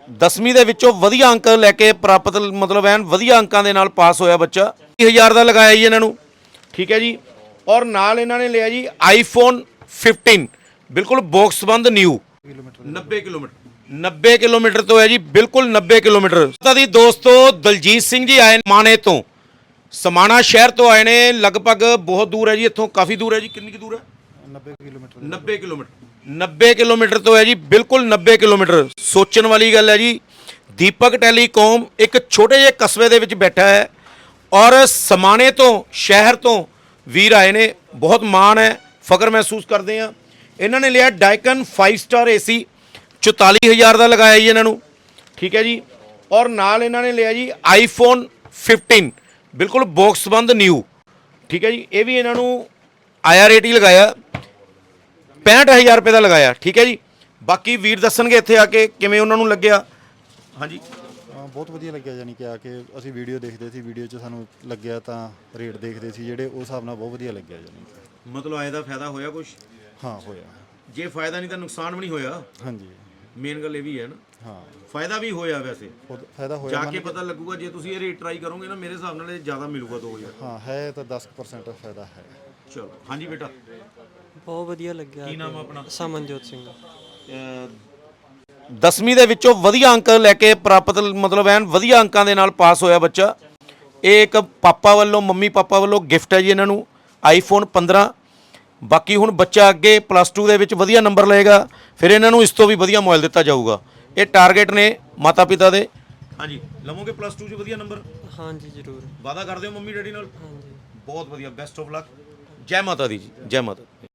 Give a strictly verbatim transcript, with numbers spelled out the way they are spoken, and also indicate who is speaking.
Speaker 1: ਦਸਵੀਂ ਦੇ ਵਿੱਚੋਂ ਵਧੀਆ ਅੰਕ ਲੈ ਕੇ ਪ੍ਰਾਪਤ मतलब ਐਨ ਵਧੀਆ ਅੰਕਾਂ ਦੇ ਨਾਲ ਪਾਸ ਹੋਇਆ ਬੱਚਾ। ਵੀਹ ਹਜ਼ਾਰ ਦਾ ਲਗਾਇਆ ਜੀ ਇਹਨਾਂ ਨੂੰ, ਠੀਕ ਹੈ ਜੀ। ਔਰ ਨਾਲ ਇਹਨਾਂ ਨੇ ਲਿਆ ਜੀ ਆਈਫੋਨ ਫਿਫਟੀਨ, ਬਿਲਕੁਲ ਬਾਕਸ ਬੰਦ ਨਿਊ। ਨੱਬੇ ਕਿਲੋਮੀਟਰ ਨੱਬੇ ਕਿਲੋਮੀਟਰ ਤੋਂ ਹੈ ਜੀ, ਬਿਲਕੁਲ ਨੱਬੇ ਕਿਲੋਮੀਟਰ। ਪਤਾ ਦੀ ਦੋਸਤੋ ਦਲਜੀਤ ਸਿੰਘ ਜੀ ਆਏ ਮਾਣੇ ਤੋਂ, ਸਮਾਣਾ ਸ਼ਹਿਰ ਤੋਂ ਆਏ ਨੇ। ਲਗਭਗ ਬਹੁਤ ਦੂਰ ਹੈ ਜੀ ਇੱਥੋਂ, ਕਾਫੀ ਦੂਰ ਹੈ ਜੀ। ਕਿੰਨੀ ਕੁ ਦੂਰ ਹੈ?
Speaker 2: ਨੱਬੇ ਕਿਲੋਮੀਟਰ
Speaker 1: ਨੱਬੇ ਕਿਲੋਮੀਟਰ ਨੱਬੇ ਕਿਲੋਮੀਟਰ ਤੋਂ ਹੈ ਜੀ, ਬਿਲਕੁਲ ਨੱਬੇ ਕਿਲੋਮੀਟਰ। ਸੋਚਣ ਵਾਲੀ ਗੱਲ ਹੈ ਜੀ। ਦੀਪਕ ਟੈਲੀਕਾਮ ਇੱਕ ਛੋਟੇ ਜਿਹੇ ਕਸਬੇ ਦੇ ਵਿੱਚ ਬੈਠਾ ਹੈ ਔਰ ਸਮਾਣੇ ਤੋਂ ਸ਼ਹਿਰ ਤੋਂ ਵੀਰ ਆਏ ਨੇ। ਬਹੁਤ ਮਾਣ ਹੈ, ਫਖਰ ਮਹਿਸੂਸ ਕਰਦੇ ਆ। ਇਹਨਾਂ ਨੇ ਲਿਆ ਡਾਈਕਨ ਫਾਈਵ ਸਟਾਰ ਏਸੀ, ਚੁਤਾਲੀ ਹਜ਼ਾਰ ਦਾ ਲਗਾਇਆ ਜੀ ਇਹਨਾਂ ਨੂੰ, ਠੀਕ ਹੈ ਜੀ। ਔਰ ਨਾਲ ਇਹਨਾਂ ਨੇ ਲਿਆ ਜੀ ਆਈਫੋਨ ਫਿਫਟੀਨ, ਬਿਲਕੁਲ ਬਾਕਸ ਬੰਦ ਨਿਊ, ਠੀਕ ਹੈ ਜੀ। ਇਹ ਵੀ ਇਹਨਾਂ ਨੂੰ ਆਇਆ ਰੇਟ ਹੀ ਲਗਾਇਆ, ਪੈਂਹਠ ਹਜ਼ਾਰ ਰੁਪਏ ਦਾ ਲਗਾਇਆ, ਠੀਕ ਹੈ ਜੀ। ਬਾਕੀ ਵੀਰ ਦੱਸਣਗੇ ਇੱਥੇ ਆ ਕੇ ਕਿਵੇਂ ਉਹਨਾਂ ਨੂੰ ਲੱਗਿਆ। ਹਾਂਜੀ,
Speaker 2: ਬਹੁਤ ਵਧੀਆ ਲੱਗਿਆ। ਯਾਨੀ ਕਿ ਆ ਕੇ ਅਸੀਂ ਵੀਡੀਓ ਦੇਖਦੇ ਸੀ, ਵੀਡੀਓ 'ਚ ਸਾਨੂੰ ਲੱਗਿਆ ਤਾਂ ਰੇਟ ਦੇਖਦੇ ਸੀ ਜਿਹੜੇ, ਉਸ ਹਿਸਾਬ ਨਾਲ ਬਹੁਤ ਵਧੀਆ ਲੱਗਿਆ। ਯਾਨੀ
Speaker 1: ਮਤਲਬ ਆਏ ਦਾ ਫਾਇਦਾ ਹੋਇਆ ਕੁਝ?
Speaker 2: ਹਾਂ ਹੋਇਆ।
Speaker 1: ਜੇ ਫਾਇਦਾ ਨਹੀਂ ਤਾਂ ਨੁਕਸਾਨ ਵੀ ਨਹੀਂ ਹੋਇਆ।
Speaker 2: ਹਾਂਜੀ,
Speaker 1: ਮੇਨ ਗੱਲ ਇਹ ਵੀ ਹੈ ਨਾ।
Speaker 2: ਹਾਂ,
Speaker 1: ਫਾਇਦਾ ਵੀ ਹੋਇਆ ਵੈਸੇ,
Speaker 2: ਖੁਦ ਫਾਇਦਾ ਹੋਇਆ।
Speaker 1: ਜਾ ਕੇ ਪਤਾ ਲੱਗੂਗਾ ਜੇ ਤੁਸੀਂ ਇਹ ਰੇਟ ਟਰਾਈ ਕਰੋਗੇ ਨਾ, ਮੇਰੇ ਹਿਸਾਬ ਨਾਲ ਇਹ ਜ਼ਿਆਦਾ ਮਿਲੂਗਾ ਦੋ ਹਜ਼ਾਰ।
Speaker 2: ਹਾਂ ਹੈ ਤਾਂ ਦਸ ਪਰਸੈਂਟ ਫਾਇਦਾ ਹੈ।
Speaker 1: ਚਲੋ ਹਾਂਜੀ ਬੇਟਾ,
Speaker 3: ਬਹੁਤ ਵਧੀਆ ਲੱਗਿਆ।
Speaker 1: ਕੀ ਨਾਮ ਆ ਆਪਣਾ?
Speaker 3: ਸਮਨਜੋਤ ਸਿੰਘ।
Speaker 1: ਦਸਵੀਂ ਦੇ ਵਿੱਚੋਂ ਵਧੀਆ ਅੰਕ ਲੈ ਕੇ ਪ੍ਰਾਪਤ मतलब ਐਨ ਵਧੀਆ ਅੰਕਾਂ ਦੇ ਨਾਲ ਪਾਸ ਹੋਇਆ ਬੱਚਾ। ਇਹ ਇੱਕ ਪਾਪਾ ਵੱਲੋਂ, ਮੰਮੀ ਪਾਪਾ ਵੱਲੋਂ ਗਿਫਟ ਹੈ ਜੀ ਇਹਨਾਂ ਨੂੰ, ਆਈਫੋਨ ਪੰਦਰਾਂ। ਬਾਕੀ ਹੁਣ ਬੱਚਾ ਅੱਗੇ ਪਲੱਸ ਟੂ ਦੇ ਵਿੱਚ ਵਧੀਆ ਨੰਬਰ ਲਏਗਾ, ਫਿਰ ਇਹਨਾਂ ਨੂੰ ਇਸ ਤੋਂ ਵੀ ਵਧੀਆ ਮੋਬਾਈਲ ਦਿੱਤਾ ਜਾਊਗਾ। ਇਹ ਟਾਰਗੇਟ ਨੇ ਮਾਤਾ ਪਿਤਾ ਦੇ। ਹਾਂਜੀ, ਲਵੋਗੇ ਪਲੱਸ ਟੂ 'ਚ ਵਧੀਆ ਨੰਬਰ?
Speaker 3: ਹਾਂਜੀ ਜ਼ਰੂਰ।
Speaker 1: ਵਾਅਦਾ ਕਰਦੇ ਹੋ ਮੰਮੀ ਡੈਡੀ ਨਾਲ?
Speaker 3: ਹਾਂਜੀ।
Speaker 1: ਬਹੁਤ ਵਧੀਆ, ਬੈਸਟ ਆਫ ਲੱਕ। ਜੈ ਮਾਤਾ ਦੀ ਜੀ, ਜੈ ਮਾਤਾ।